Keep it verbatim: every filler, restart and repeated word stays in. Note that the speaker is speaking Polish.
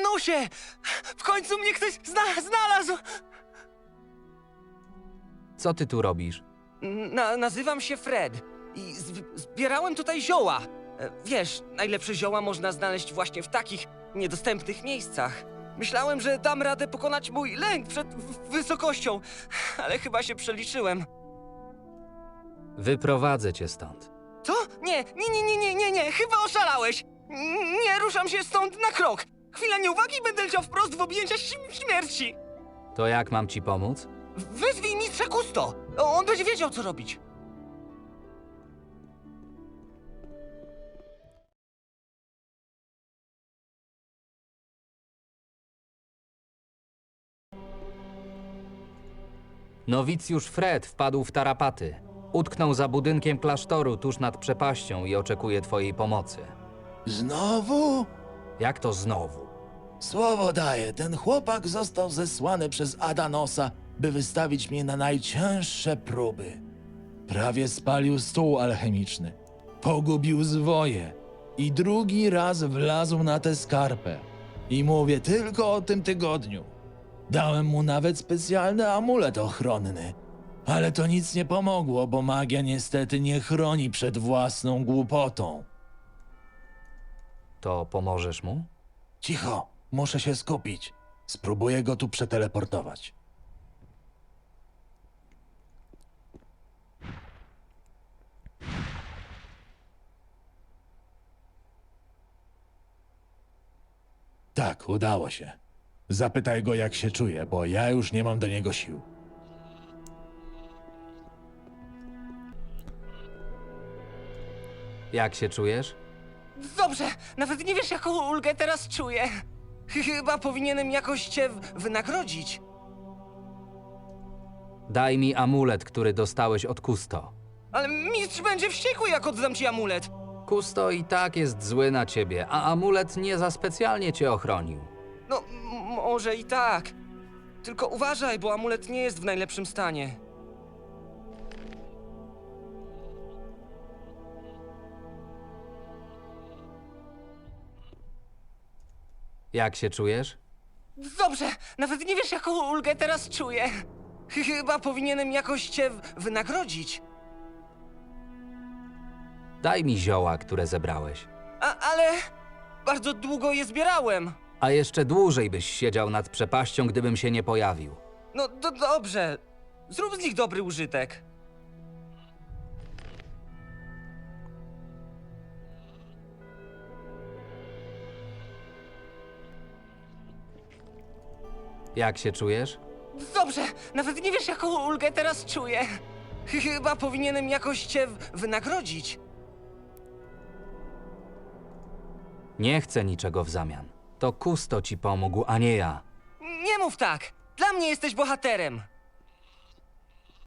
Adanosie! W końcu mnie ktoś zna znalazł! Co ty tu robisz? Na nazywam się Fred i zb zbierałem tutaj zioła. E, Wiesz, najlepsze zioła można znaleźć właśnie w takich niedostępnych miejscach. Myślałem, że dam radę pokonać mój lęk przed w- wysokością, ale chyba się przeliczyłem. Wyprowadzę cię stąd. Co? Nie, nie, nie, nie, nie, nie, nie, chyba oszalałeś! N- Nie ruszam się stąd na krok! Chwila nieuwagi i będę leciał wprost w objęcia ś- śmierci! To jak mam ci pomóc? Wyzwij mistrza Kusto! On będzie wiedział, co robić. Nowicjusz Fred wpadł w tarapaty. Utknął za budynkiem klasztoru tuż nad przepaścią i oczekuje twojej pomocy. Znowu? Jak to znowu? Słowo daję, ten chłopak został zesłany przez Adanosa, by wystawić mnie na najcięższe próby. Prawie spalił stół alchemiczny, pogubił zwoje i drugi raz wlazł na tę skarpę. I mówię tylko o tym tygodniu. Dałem mu nawet specjalny amulet ochronny, ale to nic nie pomogło, bo magia niestety nie chroni przed własną głupotą. To pomożesz mu? Cicho, muszę się skupić. Spróbuję go tu przeteleportować. Tak, udało się. Zapytaj go, jak się czuje, bo ja już nie mam do niego sił. Jak się czujesz? Dobrze, nawet nie wiesz, jaką ulgę teraz czuję. Chyba powinienem jakoś cię w- wynagrodzić. Daj mi amulet, który dostałeś od Kusto. Ale mistrz będzie wściekły, jak oddam ci amulet. Kusto i tak jest zły na ciebie, a amulet nie za specjalnie cię ochronił. No, m- może i tak. Tylko uważaj, bo amulet nie jest w najlepszym stanie. Jak się czujesz? Dobrze, nawet nie wiesz, jaką ulgę teraz czuję. Chyba powinienem jakoś cię w- wynagrodzić. Daj mi zioła, które zebrałeś. A, ale bardzo długo je zbierałem. A jeszcze dłużej byś siedział nad przepaścią, gdybym się nie pojawił. No do, dobrze, zrób z nich dobry użytek. Jak się czujesz? Dobrze, nawet nie wiesz, jaką ulgę teraz czuję. Chyba powinienem jakoś cię w- wynagrodzić. Nie chcę niczego w zamian. To Kusto ci pomógł, a nie ja. Nie mów tak! Dla mnie jesteś bohaterem!